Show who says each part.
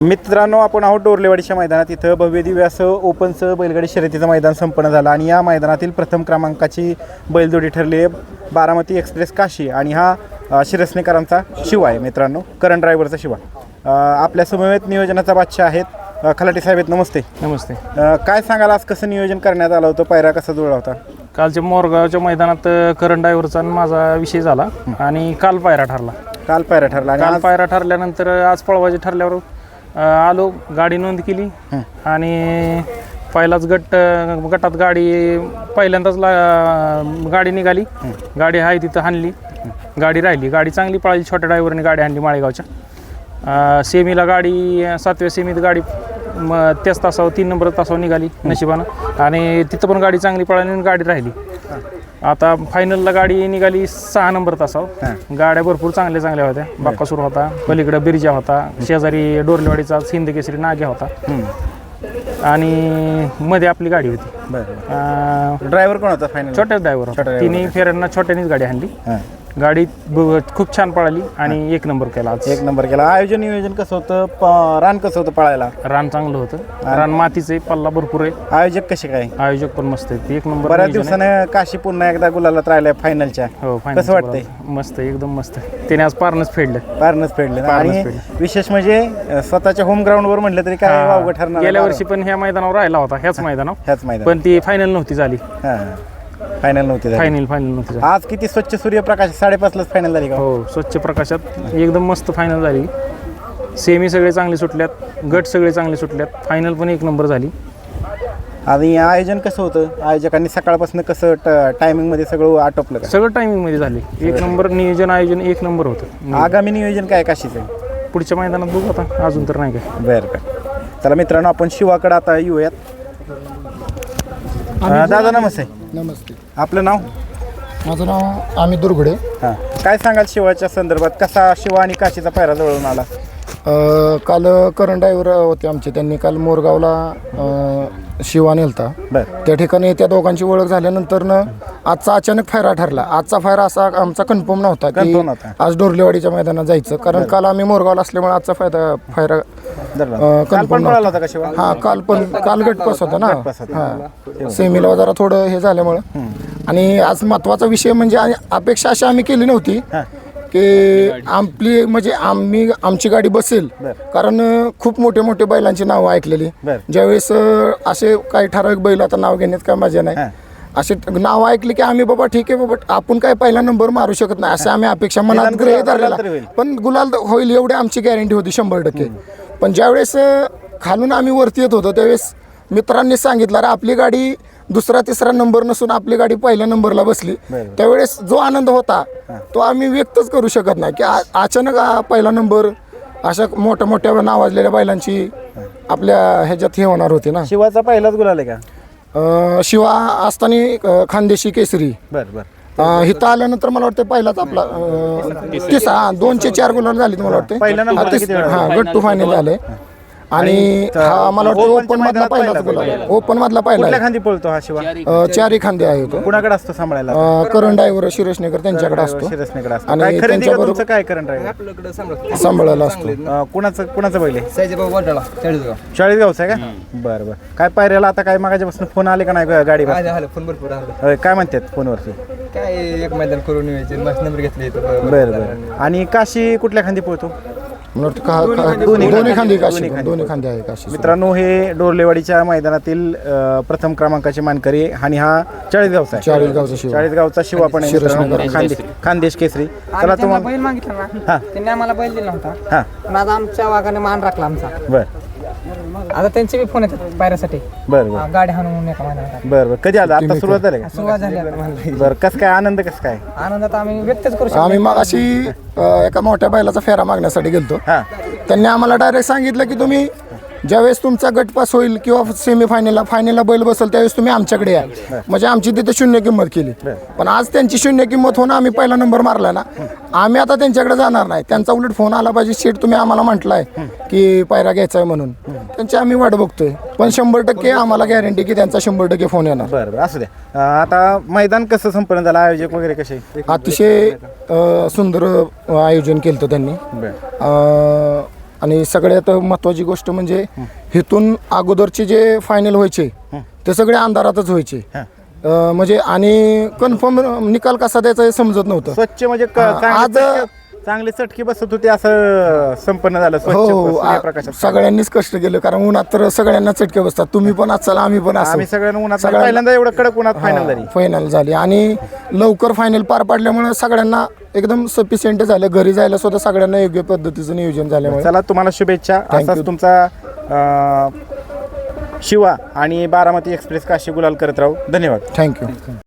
Speaker 1: मित्रांनो, आपण आहोत डोरलेवाडीच्या मैदानात. इथं भव्य दिव्य असं ओपनचं बैलगाडी शर्यतीचं मैदान संपन्न झालं आणि या मैदानातील प्रथम क्रमांकाची बैलजोडी ठरली आहे बारामती एक्सप्रेस काशी आणि हा शिरसनेकरांचा शिवा आहे. मित्रांनो, करंट ड्रायव्हरचा शिवा आपल्या समवेत नियोजनाचा बादशाह आहेत. खलाटे साहेब आहेत, नमस्ते.
Speaker 2: नमस्ते.
Speaker 1: काय सांगाल, आज कसं नियोजन करण्यात आलं होतं, पायरा कसा जुळला होता?
Speaker 2: कालच्या मोरगावच्या मैदानात करंट ड्रायव्हरचा आणि माझा विषय झाला आणि काल पायरा ठरला.
Speaker 1: काल पायरा ठरला आणि
Speaker 2: काल
Speaker 1: आज
Speaker 2: पायरा ठरल्यानंतर आज पळवायचे ठरल्यावर आलो, गाडी नोंद केली आणि पहिलाच गटात गाडी पहिल्यांदाच गाडी निघाली. गाडी आहे तिथं हाणली, गाडी राहिली. गाडी चांगली पळाली, छोट्या ड्रायव्हरने गाडी आणली माळेगावच्या. सेमीला गाडी 7व्या सेमीत गाडी त्याच तासावर 3 नंबर तासावर निघाली नशिबानं आणि तिथं पण गाडी चांगली पळाली आणि गाडी राहिली. आता फायनलला गाडी निघाली 6 नंबर तासावर. गाड्या भरपूर चांगल्या होत्या. बाक्कासूर होता, पलीकडे बिरजा होता, शेजारी डोरलेवाडीचा हिंद केसरी नाग्या होता आणि मध्ये आपली गाडी होती.
Speaker 1: ड्रायव्हर कोण होता फायनल?
Speaker 2: छोट्या ड्रायव्हर होता. तिन्ही फेऱ्यांना छोट्यानेच गाडी आणली. गाडी खूप छान पळाली आणि 1 नंबर केला. आज
Speaker 1: 1 नंबर केला. आयोजन नियोजन कसं होतं, रान कसं होतं पळायला?
Speaker 2: रान चांगलं होतं, रान मातीचं, पल्ला भरपूर आहे.
Speaker 1: आयोजक कसे काय?
Speaker 2: आयोजक पण मस्त आहे. 1 नंबर.
Speaker 1: बऱ्याच दिवसानं काशी पुन्हा एकदा गुलालात राहिलाय फायनलच्या.
Speaker 2: हो,
Speaker 1: कसं वाटतंय?
Speaker 2: मस्त, एकदम मस्त. त्याने आज पारनच फेडलं.
Speaker 1: आणि विशेष म्हणजे स्वतःच्या होम ग्राउंडवर म्हटलं तरी काय वावगं ठरणार.
Speaker 2: गेल्या वर्षी पण ह्या मैदानावर राहिला होता, ह्याच मैदानावर, पण ती फायनल नव्हती झाली.
Speaker 1: फायनल नव्हती
Speaker 2: झाली.
Speaker 1: आज किती स्वच्छ सूर्यप्रकाश 5:30 फायनल झाली का?
Speaker 2: हो, स्वच्छ प्रकाशात एकदम मस्त फायनल झाली. सेमी सगळे चांगले सुटल्यात, गट सगळे चांगले सुटल्यात, फायनल पण 1 नंबर झाली.
Speaker 1: आणि आयोजन कसं होतं? आयोजकांनी सकाळपासून कसं टायमिंग मध्ये सगळं आटोपलं का?
Speaker 2: सगळं टायमिंग मध्ये झाले. 1 नंबर नियोजन, आयोजन 1 नंबर होतं.
Speaker 1: आगामी नियोजन काय काशीचं?
Speaker 2: पुढच्या मैदानात बघू आता, अजून तर नाही काय.
Speaker 1: बरं का. चला मित्रांनो, आपण शिवाकडे आता येऊयात. दादा नमस्ते.
Speaker 3: नमस्ते.
Speaker 1: आपलं नाव?
Speaker 3: माझं नाव अमित दुर्गुडे.
Speaker 1: हां, काय सांगाल शिवाच्या संदर्भात? कसा शिवा आणि काशीचा पायरा जवळून आला?
Speaker 3: काल करंट ड्रायव्हर होते आमचे, त्यांनी काल मोरगावला शिवा नेलता.
Speaker 1: बरं.
Speaker 3: त्या ठिकाणी त्या दोघांची ओळख झाल्यानंतरनं आजचा अचानक फायरा ठरला. आजचा फायरा असा आमचा कन्फर्म नव्हता की आज डोरलेवाडीच्या मैदानात जायचं, कारण काल आम्ही मोरगावला असल्यामुळे आजचा फायरा कन्फर्म
Speaker 1: नव्हता.
Speaker 3: हां, काल गटपास होता ना. हां, सेमीला जरा थोडं हे झाल्यामुळं. आणि आज महत्त्वाचा विषय म्हणजे अपेक्षा अशी आम्ही केली नव्हती की आपली म्हणजे आमची गाडी बसेल, कारण खूप मोठे बैलांची नावं ऐकलेली. ज्यावेळेस असे काही ठराविक बैल, आता नाव घेण्यात काय मजा नाही, असे नाव ऐकले की आम्ही बाबा ठीक आहे बाबा, आपण काय पहिला नंबर मारू शकत नाही असं आम्ही अपेक्षा मनात गृहीत धरलेला. पण गुलाल होईल एवढी आमची गॅरंटी होती 100%. पण ज्यावेळेस खालून आम्ही वरती येत होतो त्यावेळेस मित्रांनी सांगितलं, अरे आपली गाडी 2-3 नंबर नसून आपली गाडी पहिल्या नंबरला बसली. त्यावेळेस जो आनंद होता तो आम्ही व्यक्तच करू शकत नाही की अचानक पहिला नंबर अशा मोठ्या नावाजलेल्या बैलांची आपल्या ह्याच्यात हे होणार होते ना.
Speaker 1: शिवाचा पहिलाच गुलाल आहे का?
Speaker 3: शिवा असताना खानदेशी केसरी.
Speaker 1: बरं.
Speaker 3: इथं आल्यानंतर मला वाटतं पहिलाच आपला 2 ते 4 गुलाल झाले मला वाटतं. हां, गट टू फायनल झाले. आणि हा मला वाटतं ओपन मधला पहिलाच गुलाल, ओपन मधला पहिला.
Speaker 1: खांदी पळतो हा शिवा?
Speaker 3: 4 खांदे आहे तो.
Speaker 1: कुणाकडे असतो सांभाळायला?
Speaker 3: करंट ड्रायव्हर शिरसनेकर त्यांच्याकडे असतो.
Speaker 1: आणि त्यांच्याबरोबर काय करंट ड्रायव्हर
Speaker 3: सांभाळायला असतो.
Speaker 1: कुणाचं बैल आहे? चाळीसगावचा आहे का? बरं. काय पायऱ्याला आता काय मागाच्यापासून फोन आले का नाही गाडी?
Speaker 4: फोन भरपूर आले.
Speaker 1: काय म्हणतात फोनवरती?
Speaker 4: काय एक मैदान करून यायचे, मस्त नंबर घेतले.
Speaker 1: बरं. आणि काशी कुठल्या खांदी पळतो?
Speaker 3: दोन्ही खांदे आहे काशी.
Speaker 1: मित्रांनो, हे डोरलेवाडीच्या मैदानातील प्रथम क्रमांकाचे मानकरी आणि हा चाळीसगावचा शिवा पण आहे, खानदेश केसरी. चला तुम्हाला
Speaker 5: बैल मागितला ना, त्यांनी आम्हाला बैल दिला होता, पण आता आमच्या वाघाने मान राखला आमचा.
Speaker 1: बरं.
Speaker 5: आता त्यांचे बी फोन येतात पायऱ्यासाठी.
Speaker 1: बरं.
Speaker 5: गाडी हाणून एका मैदानात.
Speaker 1: बरं. कधी आला? आता सुरुवात झाली का?
Speaker 5: सुरुवात झाली.
Speaker 1: बरं. कसं काय आनंद? कसं काय
Speaker 5: आनंदात आम्ही व्यक्तच करू शकतो.
Speaker 3: आम्ही मग अशी एका मोठ्या बैलाचा फेरा मागण्यासाठी गेलतो. त्यांनी आम्हाला डायरेक्ट सांगितलं की तुम्ही ज्यावेळेस तुमचा गटपास होईल किंवा फायनलला बैल बसेल त्यावेळेस तुम्ही आमच्याकडे या. म्हणजे आमची तिथे 0 किंमत केली. पण आज त्यांची 0 किंमत होणं, आम्ही पहिला नंबर मारला ना, आम्ही आता त्यांच्याकडे जाणार नाही. त्यांचा उलट फोन आला पाहिजे, शेट तुम्ही आम्हाला म्हटलंय की पायरा घ्यायचा आहे म्हणून. त्यांची आम्ही वाट बघतोय, पण 100% आम्हाला गॅरंटी की त्यांचा 100% फोन येणार.
Speaker 1: बरं. असू द्या. आता मैदान कसं संपन्न झालं? आयोजक वगैरे कसे?
Speaker 3: अतिशय सुंदर आयोजन केलं त्यांनी. आणि सगळ्यात महत्त्वाची गोष्ट म्हणजे इथून अगोदरचे जे फायनल व्हायचे ते सगळे अंधारातच व्हायचे. म्हणजे आणि कन्फर्म निकाल कसा द्यायचा हे समजत नव्हतं.
Speaker 1: स्वच्छ म्हणजे
Speaker 3: आज
Speaker 1: चांगले चटके बसत होते असं संपन्न झालं. स्वच्छ
Speaker 3: हो
Speaker 1: सूर्यप्रकाशात
Speaker 3: सगळ्यांनीच कष्ट केलं कारण उन्हात तर सगळ्यांना चटके बसतात. तुम्ही पण असाल आम्ही पण
Speaker 1: आम्ही
Speaker 3: असू.
Speaker 1: सगळ्यांना उन्हात पहिल्यांदा एवढं कडक उन्हात फायनल झाली.
Speaker 3: फायनल झाली आणि लवकर फायनल पार पाडल्यामुळे सगळ्यांना एकदम सफिशियंट झालं. घरी जायला सुद्धा सगळ्यांना योग्य पद्धतीचं नियोजन झाल्यामुळे.
Speaker 1: चला तुम्हाला शुभेच्छा. असाच तुमचा शिवा आणि बारामती एक्सप्रेस काशी गुलाल करत राहू. धन्यवाद.
Speaker 3: थँक्यू.